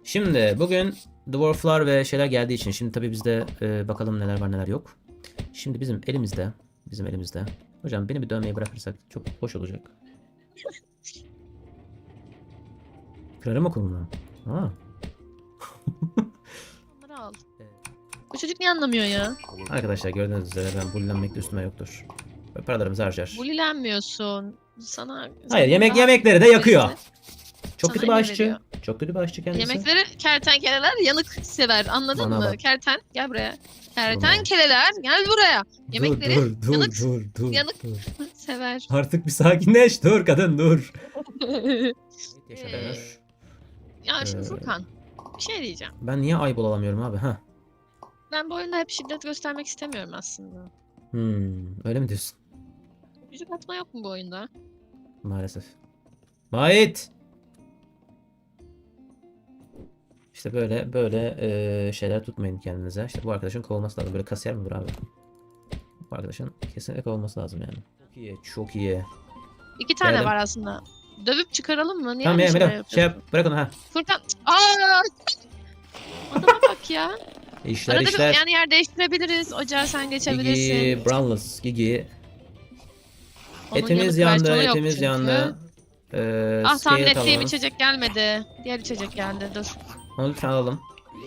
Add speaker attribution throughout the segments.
Speaker 1: Şimdi bugün dwarflar ve şeyler geldiği için şimdi tabii bizde bakalım neler var neler yok. Şimdi bizim elimizde. Hocam beni bir dövmeyi bırakırsak çok hoş olacak. Kırarım okulunu. Ha.
Speaker 2: Bunları al. Bu çocuk niye anlamıyor ya?
Speaker 1: Arkadaşlar gördüğünüz üzere ben bullenmek de üstüme yoktur. Ve paralarımızı harcar.
Speaker 2: Bulilenmiyorsun. Sana
Speaker 1: Hayır
Speaker 2: senden daha
Speaker 1: yemekleri de yakıyor.
Speaker 2: birisi
Speaker 1: Çok
Speaker 2: sana
Speaker 1: kötü bir
Speaker 2: emir
Speaker 1: aşçı.
Speaker 2: veriyor.
Speaker 1: Çok kötü bir aşçı kendisi.
Speaker 2: Yemekleri kertenkeleler yanık sever. Anladın
Speaker 1: Bana
Speaker 2: mı?
Speaker 1: bak.
Speaker 2: Gel buraya. Kertenkeleler gel buraya. Yemekleri yanık yanık
Speaker 1: dur.
Speaker 2: sever.
Speaker 1: Artık bir sakinleş. Dur kadın dur. Yaşanır.
Speaker 2: Ya şimdi
Speaker 1: Ee,
Speaker 2: Furkan bir şey diyeceğim.
Speaker 1: Ben niye ayıp olamıyorum abi? Ha.
Speaker 2: Ben bu oyunda hep şiddet göstermek istemiyorum aslında.
Speaker 1: Öyle mi diyorsun?
Speaker 2: Yüzük atma yok mu bu oyunda?
Speaker 1: Maalesef. Vahit! İşte böyle şeyler tutmayın kendinize. İşte bu arkadaşın kovulması lazım. Böyle kasiyer mi olur abi? Bu arkadaşın kesinlikle kovulması lazım yani. Çok iyi, çok iyi.
Speaker 2: 2 tane
Speaker 1: Geldim.
Speaker 2: var aslında. Dövüp çıkaralım mı? Niye
Speaker 1: Tamam
Speaker 2: öyle
Speaker 1: ya
Speaker 2: şeyler
Speaker 1: Melo,
Speaker 2: yapıyorsun?
Speaker 1: bırak onu ha.
Speaker 2: Furkan. Aa! Adama bak ya.
Speaker 1: İşler
Speaker 2: Arada
Speaker 1: işler.
Speaker 2: bir yani yer değiştirebiliriz. Ocağa sen geçebilirsin.
Speaker 1: Gigi, Brownless, Gigi.
Speaker 2: Onun
Speaker 1: Etimiz
Speaker 2: yanık
Speaker 1: yandı,
Speaker 2: versiyonu yok
Speaker 1: etimiz
Speaker 2: çünkü.
Speaker 1: yandı.
Speaker 2: Ah tahmin
Speaker 1: Scale
Speaker 2: ettiğim
Speaker 1: alalım.
Speaker 2: içecek gelmedi. Diğer içecek geldi. Dur.
Speaker 1: Onu lütfen alalım.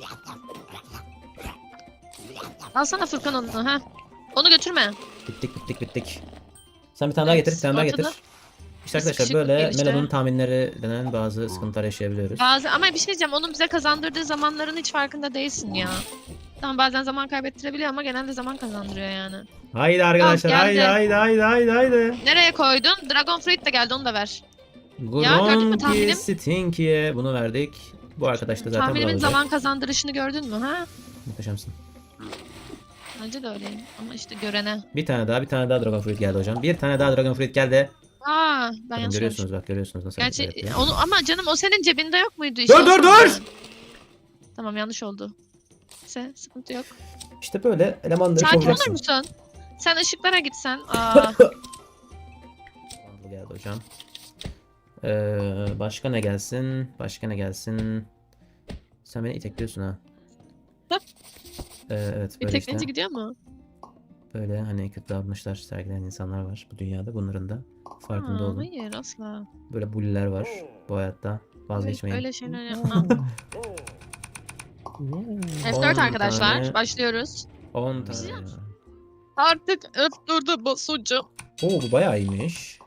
Speaker 2: Alsana Furkan onu. Ha. Onu götürme.
Speaker 1: Bittik. Sen bir tane daha getir, bir tane daha
Speaker 2: ortada
Speaker 1: getir. İşte
Speaker 2: bir
Speaker 1: arkadaşlar
Speaker 2: sıkışıklık
Speaker 1: böyle
Speaker 2: gelişti.
Speaker 1: Melo'nun tahminleri denen bazı sıkıntılar yaşayabiliyoruz.
Speaker 2: Ama bir şey diyeceğim. Onun bize kazandırdığı zamanların hiç farkında değilsin ya. Tamam bazen zaman kaybettirebiliyor ama genelde zaman kazandırıyor yani.
Speaker 1: Haydi arkadaşlar,
Speaker 2: Tamam, geldi.
Speaker 1: haydi.
Speaker 2: Nereye koydun? Dragon Fruit de geldi onu da ver. Ya, gördün mü
Speaker 1: Gronki
Speaker 2: tahminim?
Speaker 1: Stinky'ye bunu verdik. Bu arkadaş da zaten bunu
Speaker 2: Tahminimin
Speaker 1: alacak.
Speaker 2: zaman kazandırışını gördün mü ha?
Speaker 1: Muhteşemsin.
Speaker 2: Bence de öyleyim. Ama işte görene.
Speaker 1: Bir tane daha Dragon Fruit geldi hocam. Bir tane daha Dragon Fruit geldi.
Speaker 2: Aa, ben
Speaker 1: Bakın
Speaker 2: yanlış
Speaker 1: görüyorsunuz
Speaker 2: görmüşüm.
Speaker 1: bak görüyorsunuz nasıl
Speaker 2: Gerçi
Speaker 1: hareketler yapıyor.
Speaker 2: onu ama canım o senin cebinde yok muydu?
Speaker 1: Dur,
Speaker 2: İşte
Speaker 1: dur,
Speaker 2: o
Speaker 1: dur!
Speaker 2: yüzden. Tamam yanlış oldu. Sıkıntı yok.
Speaker 1: İşte böyle elemanları
Speaker 2: Sakin olur
Speaker 1: kovacaksın.
Speaker 2: musun? Sen ışıklara gitsen. Aa,
Speaker 1: Bu geldi hocam. Başka ne gelsin? Sen beni itekliyorsun ha. Evet
Speaker 2: bir
Speaker 1: böyle
Speaker 2: tekneci
Speaker 1: işte.
Speaker 2: gidiyor mu?
Speaker 1: Böyle hani kötü davranışlar sergileyen insanlar var bu dünyada. Bunların da farkında olun.
Speaker 2: Hayır asla.
Speaker 1: Böyle bulliler var bu hayatta. Vazgeçmeyin.
Speaker 2: Öyle şeyler yapmam. F4
Speaker 1: 10
Speaker 2: arkadaşlar.
Speaker 1: tane.
Speaker 2: Başlıyoruz.
Speaker 1: 10 tane.
Speaker 2: Güzel.
Speaker 1: ya.
Speaker 2: Artık F4'e basacağım.
Speaker 1: Oo bu bayağı iyiymiş.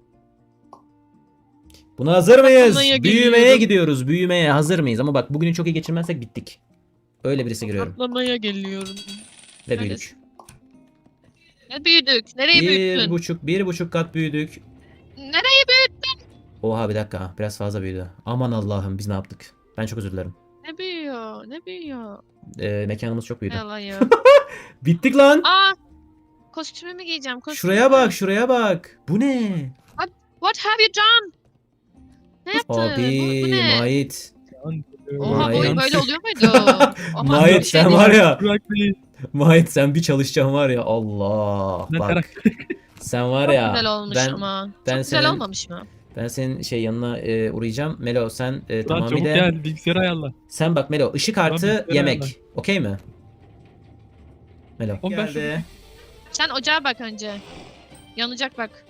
Speaker 1: Buna hazır mıyız?
Speaker 2: Patlamaya
Speaker 1: Büyümeye
Speaker 2: geliyorum.
Speaker 1: gidiyoruz. Büyümeye hazır mıyız? Ama bak bugünü çok iyi geçirmezsek bittik. Öyle birisi giriyorum.
Speaker 2: Patlamaya geliyorum.
Speaker 1: Ve
Speaker 2: Neredesin?
Speaker 1: büyüdük.
Speaker 2: Ne büyüdük? Nereye büyüttün?
Speaker 1: 1,5 kat büyüdük.
Speaker 2: Nereye büyüttün?
Speaker 1: Oha bir dakika. Biraz fazla büyüdü. Aman Allah'ım biz ne yaptık? Ben çok özür dilerim.
Speaker 2: Ne büyüyor? Ne büyüyor?
Speaker 1: Mekanımız çok büyüdü.
Speaker 2: Yalan ya.
Speaker 1: Bittik lan.
Speaker 2: Aa! Kostümümü giyeceğim.
Speaker 1: Şuraya bak. Bu ne?
Speaker 2: What have you done? Ne yaptın? Bu
Speaker 1: Abi
Speaker 2: ne?
Speaker 1: Mahit.
Speaker 2: Oha
Speaker 1: Vay.
Speaker 2: boyun böyle oluyor muydu? Oha,
Speaker 1: Mahit
Speaker 2: bir şey
Speaker 1: sen
Speaker 2: değil.
Speaker 1: var ya.
Speaker 3: Bırak beni.
Speaker 1: Mahit sen bir çalışacaksın var ya. Allah.
Speaker 3: Ne
Speaker 1: Bak.
Speaker 3: karakter.
Speaker 1: Sen var
Speaker 2: Çok
Speaker 1: ya.
Speaker 2: güzel olmuş ama.
Speaker 1: ben
Speaker 2: Çok güzel
Speaker 1: senin-
Speaker 2: olmamış mı?
Speaker 1: Ben senin yanına uğrayacağım. Melo sen
Speaker 3: Lan çabuk
Speaker 1: tamamıyla.
Speaker 3: gel bilgisayarı ayarla.
Speaker 1: Sen bak Melo ışık
Speaker 3: Tamam,
Speaker 1: artı
Speaker 3: bilgisayarı
Speaker 1: yemek.
Speaker 3: ayarla.
Speaker 1: Okey mi? Melo.
Speaker 3: Oğlum ben
Speaker 1: Geldi.
Speaker 2: Sen ocağa bak önce. Yanacak bak.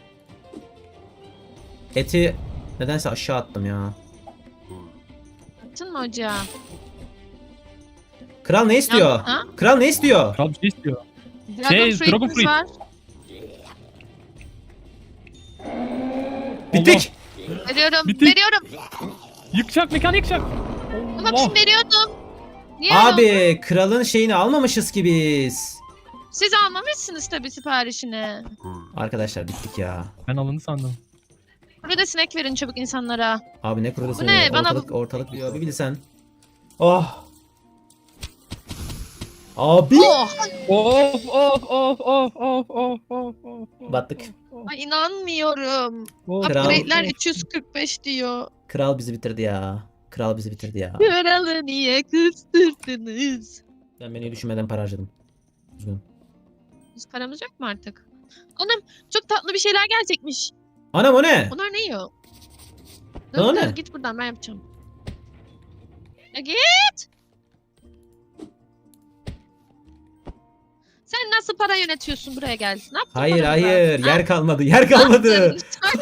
Speaker 1: Eti nedense aşağı attım ya.
Speaker 2: Attın mı ocağa?
Speaker 1: Kral ne istiyor?
Speaker 2: Ha?
Speaker 1: Kral ne istiyor?
Speaker 3: Kral bir şey istiyor.
Speaker 2: Dragon
Speaker 3: Dragon
Speaker 2: Fruit'imiz
Speaker 3: Fruit.
Speaker 2: var.
Speaker 1: Bittik.
Speaker 2: Veriyorum.
Speaker 3: Bitti.
Speaker 2: Veriyorum.
Speaker 3: Yıkacak mekanı yıkacak.
Speaker 2: Ama
Speaker 3: Allah.
Speaker 2: ben veriyordum. Niye öyle oldu?
Speaker 1: Abi kralın şeyini almamışız ki biz.
Speaker 2: Siz almamışsınız tabii siparişini.
Speaker 1: Arkadaşlar bittik ya.
Speaker 3: Ben alındı sandım.
Speaker 2: Burada sinek verin çabuk insanlara.
Speaker 1: Abi ne kurulu
Speaker 2: Bu ne? Bana
Speaker 1: ortalık diyor. Bir bilsen. Oh. Abi.
Speaker 2: Oh!
Speaker 3: Of of of of of of of of.
Speaker 1: Battık.
Speaker 2: Ay inanmıyorum.
Speaker 1: Kral.
Speaker 2: Upgrade'ler 345 diyor.
Speaker 1: Kral bizi bitirdi ya.
Speaker 2: Kralı niye kıstırdınız?
Speaker 1: Ben beni düşünmeden para harcadım. Üzgünüm.
Speaker 2: Biz paramız yok mu artık? Anam çok tatlı bir şeyler gelecekmiş.
Speaker 1: Anam o ne?
Speaker 2: Onlar ne yiyor?
Speaker 1: O
Speaker 2: Dur,
Speaker 1: ne?
Speaker 2: git buradan ben yapacağım. Ya git. Sen nasıl para yönetiyorsun, buraya gel. Ne yaptın
Speaker 1: Hayır
Speaker 2: paramıza?
Speaker 1: hayır.
Speaker 2: Ha?
Speaker 1: Yer kalmadı. Yer kalmadı.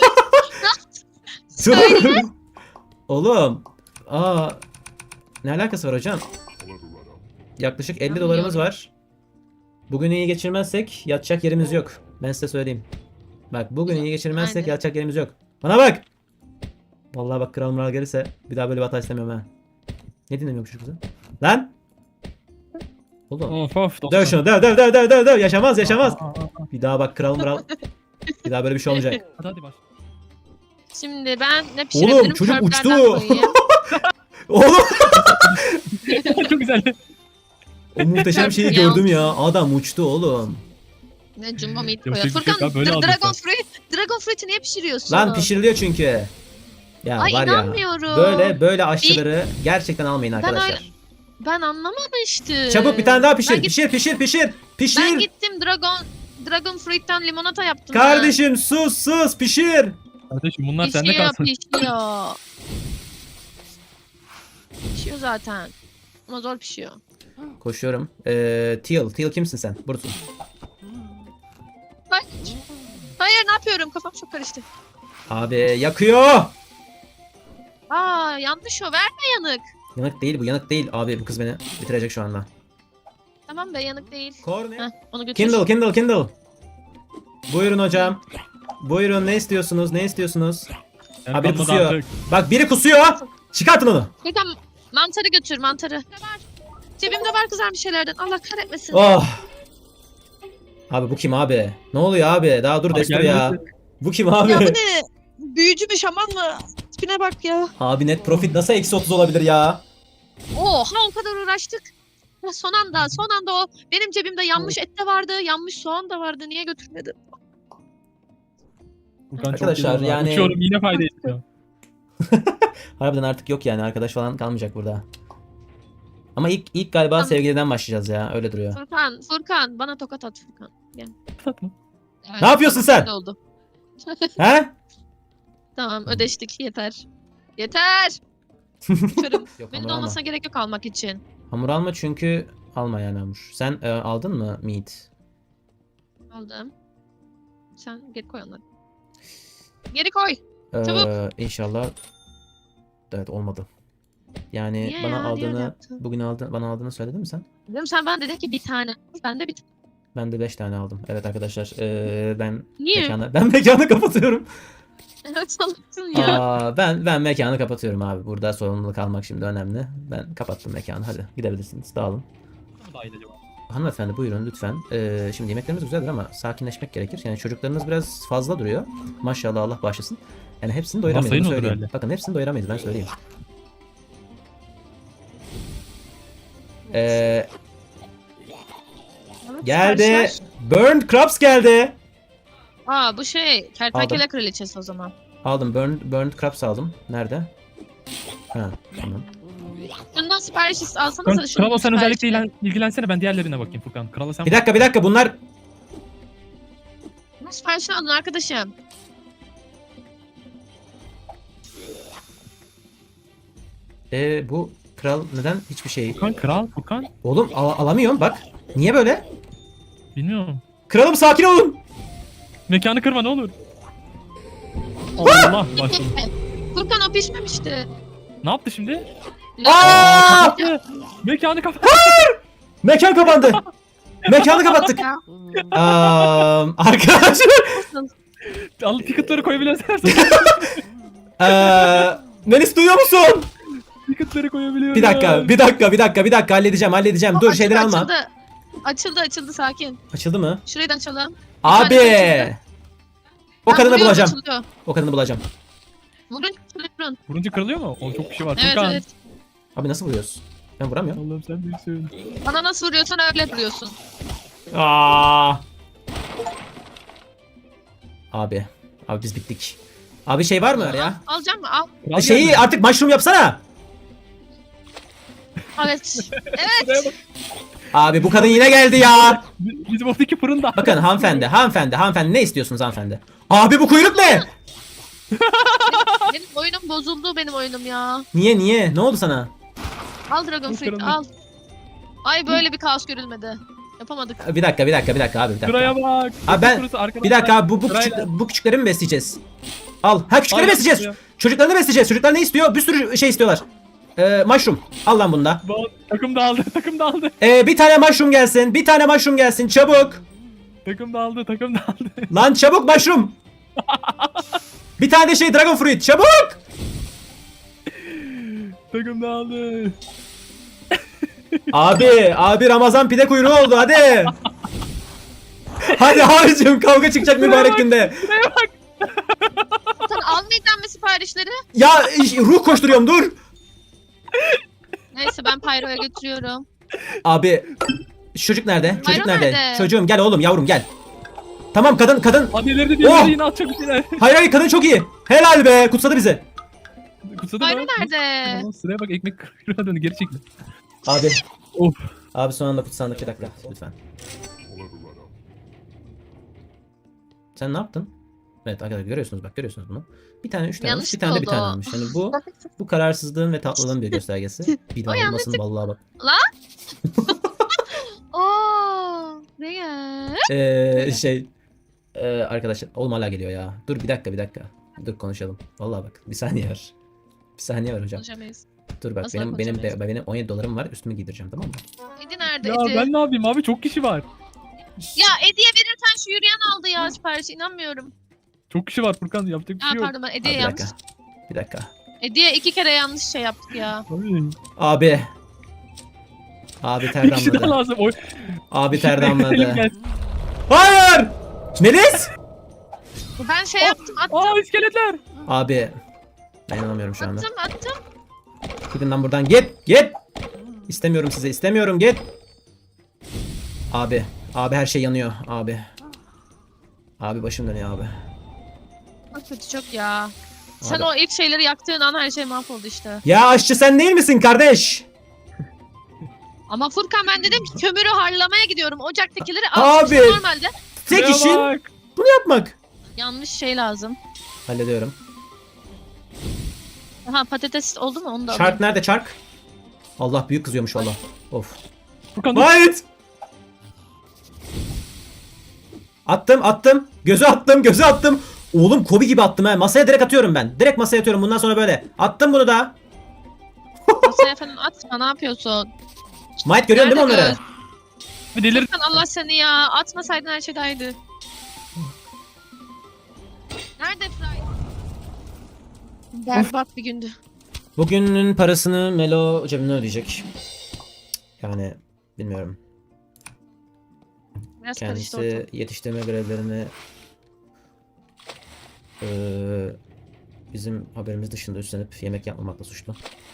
Speaker 2: Söyle.
Speaker 1: Dur. Oğlum. Aa. Ne alakası var hocam? Yaklaşık 50 dolarımız
Speaker 2: Anlıyorum.
Speaker 1: var. Bugün iyi geçirmezsek yatacak yerimiz yok. Ben size söyleyeyim. Bak bugün iyi geçirmezsek
Speaker 2: Aynen.
Speaker 1: yatacak yerimiz yok. Bana bak. Vallahi bak kral mural gelirse bir daha böyle bir hata istemiyorum ha. Ne dinlemiyormuş kızı? Lan. Oğlum.
Speaker 3: Of of.
Speaker 1: Döv şunu döv. Yaşamaz yaşamaz. Bir daha bak kral mural. Bir daha böyle bir şey olmayacak.
Speaker 3: Hadi baş.
Speaker 2: Şimdi ben ne pişirebilirim?
Speaker 1: Oğlum çocuk
Speaker 2: Körplerden
Speaker 1: uçtu.
Speaker 2: koyayım.
Speaker 1: Oğlum.
Speaker 3: Çok güzel.
Speaker 1: O muhteşem şeyi
Speaker 2: Ya.
Speaker 1: gördüm ya. Adam uçtu oğlum.
Speaker 2: Ne jumbo meat
Speaker 3: Yapacak
Speaker 2: koyuyor.
Speaker 3: bir şey yok
Speaker 2: Furkan
Speaker 3: abi, böyle
Speaker 2: Dragon
Speaker 3: aldık
Speaker 2: Fruit. Dragon Fruit'i niye pişiriyorsun?
Speaker 1: Lan pişiriliyor çünkü. Ya
Speaker 2: Ay
Speaker 1: var ya.
Speaker 2: inanmıyorum.
Speaker 1: Böyle aşçıları gerçekten almayın arkadaşlar.
Speaker 2: öyle- Ben anlamamıştım.
Speaker 1: Çabuk bir tane daha pişir.
Speaker 2: Ben,
Speaker 1: Pişir.
Speaker 2: ben gittim Dragon Fruit'ten limonata yaptım.
Speaker 1: Kardeşim sus pişir.
Speaker 3: Kardeşim bunlar
Speaker 2: ben.
Speaker 3: sende
Speaker 2: Pişiyor,
Speaker 3: kalsın.
Speaker 2: pişiyor. Pişiyor zaten. Ama zor pişiyor.
Speaker 1: Koşuyorum. Teal kimsin sen? Buradasın.
Speaker 2: Hayır. Hayır ne yapıyorum? Kafam çok karıştı.
Speaker 1: Abi yakıyor.
Speaker 2: Aa yanlış o. Verme yanık.
Speaker 1: Yanık değil. Abi bu kız beni bitirecek şu anda.
Speaker 2: Tamam be yanık değil.
Speaker 1: Kor ne?
Speaker 2: Heh, onu götür.
Speaker 1: Kindle. Buyurun hocam. Buyurun ne istiyorsunuz?
Speaker 3: Yani
Speaker 1: Abi biri
Speaker 3: kalmadı
Speaker 1: kusuyor.
Speaker 3: artık.
Speaker 1: Bak biri kusuyor. Çıkartın onu.
Speaker 2: Furkan mantarı götür mantarı. Var. Cebimde var kızarmış şeylerden. Allah kahretmesin.
Speaker 1: Oh. Abi bu kim abi? Ne oluyor abi? Daha dur
Speaker 3: Abi
Speaker 1: destur ya.
Speaker 3: gelmesin.
Speaker 1: Bu kim abi?
Speaker 2: Ya bu ne? Büyücü mü şaman mı? Tipine bak ya.
Speaker 1: Abi net profit nasıl eksi 30 olabilir ya?
Speaker 2: Oha o kadar uğraştık. Ya son anda o benim cebimde yanmış et de vardı, yanmış soğan da vardı. Niye götürmedim?
Speaker 3: Furkan çok
Speaker 1: Arkadaşlar,
Speaker 3: geliyor.
Speaker 1: yani-
Speaker 3: Uçuyorum yine fayda ediyor.
Speaker 1: Harbiden artık yok yani arkadaş falan kalmayacak burada. Ama ilk galiba
Speaker 2: Tamam.
Speaker 1: sevgiliden başlayacağız ya öyle duruyor.
Speaker 2: Furkan bana tokat at Furkan. Evet,
Speaker 1: Ne yapıyorsun sen?
Speaker 2: öyle oldu.
Speaker 1: He?
Speaker 2: Tamam ödeştik yeter. Yeter. Körüm.
Speaker 1: Yok
Speaker 2: Benim
Speaker 1: hamur
Speaker 2: de
Speaker 1: alma.
Speaker 2: olmasına gerek yok almak için.
Speaker 1: Hamur alma çünkü alma yani hamur. Sen aldın mı meat?
Speaker 2: Aldım. Sen geri koy onları. Geri koy. Çabuk.
Speaker 1: İnşallah. Evet olmadı. Yani
Speaker 2: Niye
Speaker 1: bana
Speaker 2: ya? Niye öyle
Speaker 1: aldığını
Speaker 2: yaptın?
Speaker 1: bugün bana aldığını söyledin mi sen?
Speaker 2: Dedim sen bana dedin ki bir tane. Ben de bir tane.
Speaker 1: Ben de 5 tane aldım. Evet arkadaşlar ben
Speaker 2: Niye?
Speaker 1: mekanı kapatıyorum.
Speaker 2: Evet salaksın ya.
Speaker 1: Ben mekanı kapatıyorum abi. Burada sorumluluk almak şimdi önemli. Ben kapattım mekanı. Hadi gidebilirsiniz. Dağılın.
Speaker 3: Daha iyi acaba.
Speaker 1: Hanımefendi buyurun lütfen. Şimdi yemeklerimiz güzeldir ama sakinleşmek gerekir. Yani çocuklarınız biraz fazla duruyor. Maşallah Allah bağışlasın. Yani hepsini doyuramayız.
Speaker 3: Masayı
Speaker 1: Bunu
Speaker 3: ne olur
Speaker 1: söyleyeyim.
Speaker 3: öyle?
Speaker 1: Bakın hepsini doyuramayız ben söyleyeyim. Ee, geldi.
Speaker 2: Siparişler.
Speaker 1: Burned Crabs geldi.
Speaker 2: Aa bu şey kertenkele kraliçesi o zaman.
Speaker 1: Aldım. Burned Crabs aldım. Nerede? Ha tamam.
Speaker 2: Şundan sipariş alsanız da
Speaker 3: Kralo
Speaker 2: şundan
Speaker 3: sen
Speaker 2: sipariş
Speaker 3: özellikle
Speaker 2: ver.
Speaker 3: ilgilensene, ben diğerlerine bakayım Furkan. Kralo sen
Speaker 1: Bir dakika bunlar
Speaker 2: Bunun siparişini alın arkadaşım.
Speaker 1: bu kral neden hiçbir şey...
Speaker 3: Furkan kral Furkan.
Speaker 1: Oğlum alamıyorum bak. Niye böyle?
Speaker 3: Bilmiyorum.
Speaker 1: Kralım sakin olun.
Speaker 3: Mekanı kırma ne olur. Allah başladı.
Speaker 2: Furkan o pişmemişti.
Speaker 3: Ne yaptı şimdi?
Speaker 1: Aa!
Speaker 3: Mekanı kapat.
Speaker 1: Mekan kapandı. Mekanı kapattık.
Speaker 2: Ya.
Speaker 1: Arkadaşlar.
Speaker 3: Al ticketları koyabiliyorsan.
Speaker 1: Melis duyuyor musun?
Speaker 3: Ticketları koyabiliyorum.
Speaker 1: Bir dakika halledeceğim. Dur şeyleri alma.
Speaker 2: Açıldı sakin.
Speaker 1: Açıldı mı?
Speaker 2: Şurayı da açalım.
Speaker 1: Abi. O
Speaker 2: Ben
Speaker 1: kadını
Speaker 2: vuruyorum,
Speaker 1: bulacağım.
Speaker 2: açılıyor.
Speaker 1: O kadını bulacağım.
Speaker 2: Vurun.
Speaker 3: Vurunca kırılıyor mu? O çok kişi var.
Speaker 2: Evet
Speaker 3: Furkan.
Speaker 2: evet.
Speaker 1: Abi nasıl vuruyoruz? Ben vuramıyorum.
Speaker 3: Allah'ım sen büyüksün.
Speaker 2: Bana nasıl vuruyorsan öyle vuruyorsun.
Speaker 1: Abi biz bittik. Abi şey var mı ya?
Speaker 2: Alacak mı? Al.
Speaker 3: Kral
Speaker 1: Şeyi
Speaker 3: geldi.
Speaker 1: artık mushroom yapsana.
Speaker 2: Evet.
Speaker 3: Şuraya bak.
Speaker 1: Abi bu kadın yine geldi ya.
Speaker 3: Bizim oradaki fırında.
Speaker 1: Bakın hanımefendi ne istiyorsunuz hanımefendi? Abi bu kuyruk ne?
Speaker 2: Benim oyunum bozuldu benim oyunum ya.
Speaker 1: Niye? Ne oldu sana?
Speaker 2: Al Dragon
Speaker 3: Bu
Speaker 2: Fruit
Speaker 3: kırıldı.
Speaker 2: al. Ay böyle bir kaos görülmedi. Yapamadık.
Speaker 1: Bir dakika abi bir dakika.
Speaker 3: Şuraya bak.
Speaker 1: Abi ben-
Speaker 3: Kurusu arkadan
Speaker 1: Bir dakika abi
Speaker 3: Sırayla.
Speaker 1: bu küçükleri mi besleyeceğiz? Al. Ha küçükleri
Speaker 3: Aynen,
Speaker 1: besleyeceğiz.
Speaker 3: şuraya.
Speaker 1: Çocuklarını besleyeceğiz. Çocuklar ne istiyor? Bir sürü şey istiyorlar. Mushroom. Al lan bunu da.
Speaker 3: Bak, takım dağıldı. Takım dağıldı.
Speaker 1: Bir tane mushroom gelsin. Bir tane mushroom gelsin. Çabuk.
Speaker 3: Takım dağıldı. Takım dağıldı.
Speaker 1: Lan çabuk mushroom. Bir tane de şey dragon fruit. Çabuk.
Speaker 3: Takım dağıldı.
Speaker 1: Abi Ramazan pide kuyruğu oldu hadi. Hadi abicim kavga çıkacak mübarek günde.
Speaker 2: Sen almayacağım mı siparişleri?
Speaker 1: Ya ruh koşturuyorum dur.
Speaker 2: Neyse ben Pyro'ya götürüyorum.
Speaker 1: Abi çocuk nerede? Çocuk
Speaker 2: Bayram
Speaker 1: nerede?
Speaker 2: nerede?
Speaker 1: Çocuğum gel oğlum yavrum gel. Tamam kadın.
Speaker 3: Hadi ileride diye
Speaker 1: Oh!
Speaker 3: yine atacak bir şeyler.
Speaker 1: Hayır kadın çok iyi. Helal be kutsadı bizi.
Speaker 3: Kutsadı
Speaker 2: Pyro
Speaker 3: mı?
Speaker 2: nerede?
Speaker 3: Tamam, sıraya bak ekmek kırıyor döndü geri çekti.
Speaker 1: Abi.
Speaker 3: Of.
Speaker 1: Abi son anda kutsandık bir dakika lütfen. Sen ne yaptın? Evet arkadaşlar görüyorsunuz bunu. Bir tane 3 tane almış, bir tane de bir tane
Speaker 2: oldu.
Speaker 1: almış. Yani bu kararsızlığın ve tatlılığın bir göstergesi. Bir daha
Speaker 2: O
Speaker 1: olmasın vallahi bak.
Speaker 2: Oo, ne ya?
Speaker 1: Arkadaşlar oğlum hala geliyor ya. Dur bir dakika. Dur konuşalım. Vallahi bak bir saniye var. Bir saniye var hocam.
Speaker 2: Konuşamayız.
Speaker 1: Dur bak
Speaker 2: Asla
Speaker 1: benim
Speaker 2: konuşamayız.
Speaker 1: 17 dolarım var. Üstümü giydireceğim tamam mı?
Speaker 2: Edi nerede
Speaker 3: Ya
Speaker 2: Edi?
Speaker 3: ben ne yapayım abi çok kişi var.
Speaker 2: Ya Edi'ye verirsen şu yürüyen aldı ya siparişi inanmıyorum.
Speaker 3: Çok kişi var Furkan yapacak bir
Speaker 2: Ha
Speaker 3: şey yok.
Speaker 2: pardon ben
Speaker 1: Abi,
Speaker 2: Edi'ye
Speaker 1: bir
Speaker 2: yanlış.
Speaker 1: dakika. Bir dakika.
Speaker 2: Edi'ye 2 kere yanlış şey yaptık ya.
Speaker 3: Abi,
Speaker 1: Abi ter
Speaker 3: bir kişi daha
Speaker 1: damladı.
Speaker 3: lazım. Oy.
Speaker 1: Abi ter
Speaker 3: Elim
Speaker 1: damladı.
Speaker 3: gelsin.
Speaker 1: Hayır! Melis!
Speaker 2: Ben şey yaptım attım
Speaker 3: Aa iskeletler.
Speaker 1: Abi ben inanamıyorum şu anda.
Speaker 2: attım.
Speaker 1: Gidin lan buradan git. İstemiyorum size istemiyorum git. Abi her şey yanıyor abi. Abi başım dönüyor abi.
Speaker 2: Çok kötü çok ya. Sen
Speaker 1: Abi.
Speaker 2: o ilk şeyleri yaktığın an her şey mahvoldu işte.
Speaker 1: Ya aşçı sen değil misin kardeş?
Speaker 2: Ama Furkan ben dedim ki kömürü harlamaya gidiyorum. Ocaktakileri
Speaker 1: Abi.
Speaker 2: almışım normalde.
Speaker 1: Tek
Speaker 3: Şuraya
Speaker 1: işin
Speaker 3: bak.
Speaker 1: bunu yapmak.
Speaker 2: Yanlış şey lazım.
Speaker 1: Hallediyorum.
Speaker 2: Aha patates oldu mu onu da alayım.
Speaker 1: Çark nerede çark? Allah büyük kızıyormuş valla. Of.
Speaker 3: Furkan dur.
Speaker 1: Wait! Attım. Gözü attım. Oğlum Kobe gibi attım ha. Masaya direkt atıyorum ben. Direkt masaya atıyorum bundan sonra böyle. Attım bunu da.
Speaker 2: Masaya falan atma ne yapıyorsun?
Speaker 1: Might görüyorsun değil mi
Speaker 2: Nerede
Speaker 1: onları?
Speaker 2: göz?
Speaker 3: Bir delir.
Speaker 2: Furkan Allah seni ya. Atmasaydın her şey daydı. Nerede Fry? Berbat bir gündü.
Speaker 1: Bugünün parasını Melo cebimden ödeyecek. Yani bilmiyorum.
Speaker 2: Biraz karıştı ortam.
Speaker 1: Kendisi yetiştirme görevlerini bizim haberimiz dışında üstlenip yemek yapmamakla suçlu.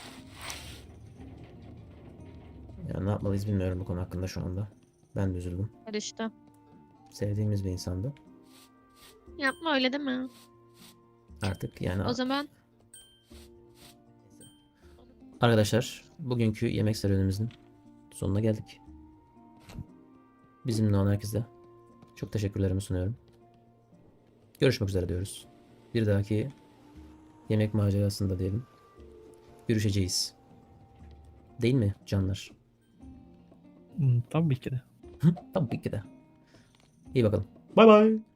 Speaker 1: Yani ne yapmalıyız bilmiyorum bu konu hakkında şu anda. Ben de üzüldüm.
Speaker 2: Karıştı.
Speaker 1: Sevdiğimiz bir insandı.
Speaker 2: Yapma öyle değil mi?
Speaker 1: Artık yani
Speaker 2: O zaman
Speaker 1: arkadaşlar bugünkü yemek serüvenimizin sonuna geldik. Bizimle olan herkese çok teşekkürlerimi sunuyorum. Görüşmek üzere diyoruz. Bir dahaki yemek macerasında diyelim. Görüşeceğiz. Değil mi canlar?
Speaker 3: Tabii ki de.
Speaker 1: Tabii ki de. İyi bakalım. Bay bay.